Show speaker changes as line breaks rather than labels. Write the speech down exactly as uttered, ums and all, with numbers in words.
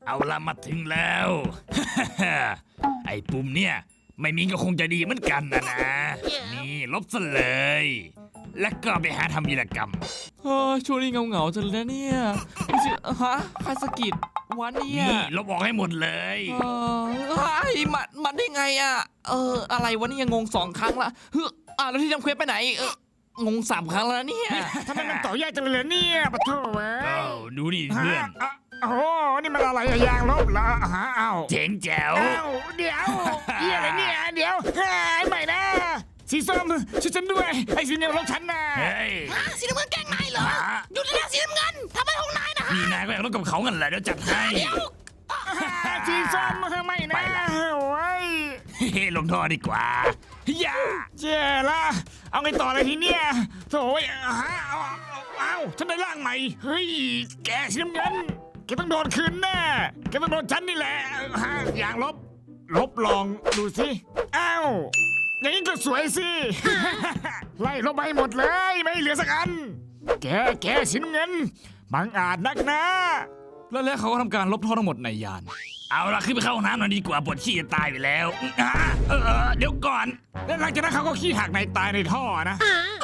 เอาละมาถึงแล้ว ไอ้ปุ่มเนี่ยไม่มีก็คงจะดีเหมือนกันนะนะ นี่ลบซะเลย แล้วก็ไปหาทำวีรกรรม
เฮ้ยช่วงนี้เหงาๆจังเลยนะเนี่ยไม่ใช่ฮะใครสะกิดวันเนี่ย
นี่ลบออกให้หมดเลย
เออเฮ้ยมันมันได้ไงอ่ะเอออะไรวะเนี่ยงงสองครั้งละเฮ้ยอ่ะแล้วที่ทำเควสไปไหนเอองงสามครั้งแล้วนะเนี่ย
ทำไมมันต่อยากจังเลยเนี่ยปะโถเว้ย
เอ้าดูนี่เพื่อน
ฮะอ่ะโอ้โหนี่มันอะไรอะยางลบเหรอฮะเอ้า
เจ๋งแจ๋ว
เอ้าเดี๋ยวเหี้ยอะไรเนี่ยเดี๋ยวหายใหม่นะสีส้มช่วยฉันด้วยไอ้สีเหลืองลบฉันนะ
เฮ้ย
สีน้ำเงินแกล้งนายเหรอ หยุดเลยนะสีน้ำเงินทำไมของนายนะฮะ
นี่นายก็อยากลบกับเขากันแหละเดี๋ยวจัดให้
สีส้มไม่นะโอ้ย
เฮ้ลงท่อดีกว่าอย่า
เจ๊ละเอาไงต่อเลยทีเนี้ยโถ่ยฮะเอาเอาเอาฉันได้ร่างใหม่เฮ้ยแกสีน้ำเงินแกต้องโดนคืนแน่แกต้องโดนฉันนี่แหละฮะอย่างลบ ลบลองดูสิอ้าวอย่างนี้ก็สวยสิ ไล่ลบไปหมดเลยไม่เหลือสักอัน แกแกสีน้ำเงินบังอาจนักนะ
แล้วแล้วเขาก็ทำการลบท่อทั้งหมดในยาน
เอาละขึ้นไปเข้าห้องน้ำหน่อยดีกว่าปวดขี้จะตายไปแล้วอ่ะเออเออเดี๋ยวก่อน
แล้วหลังจากนั้นเขาก็ขี้หักในตายในท่อนะ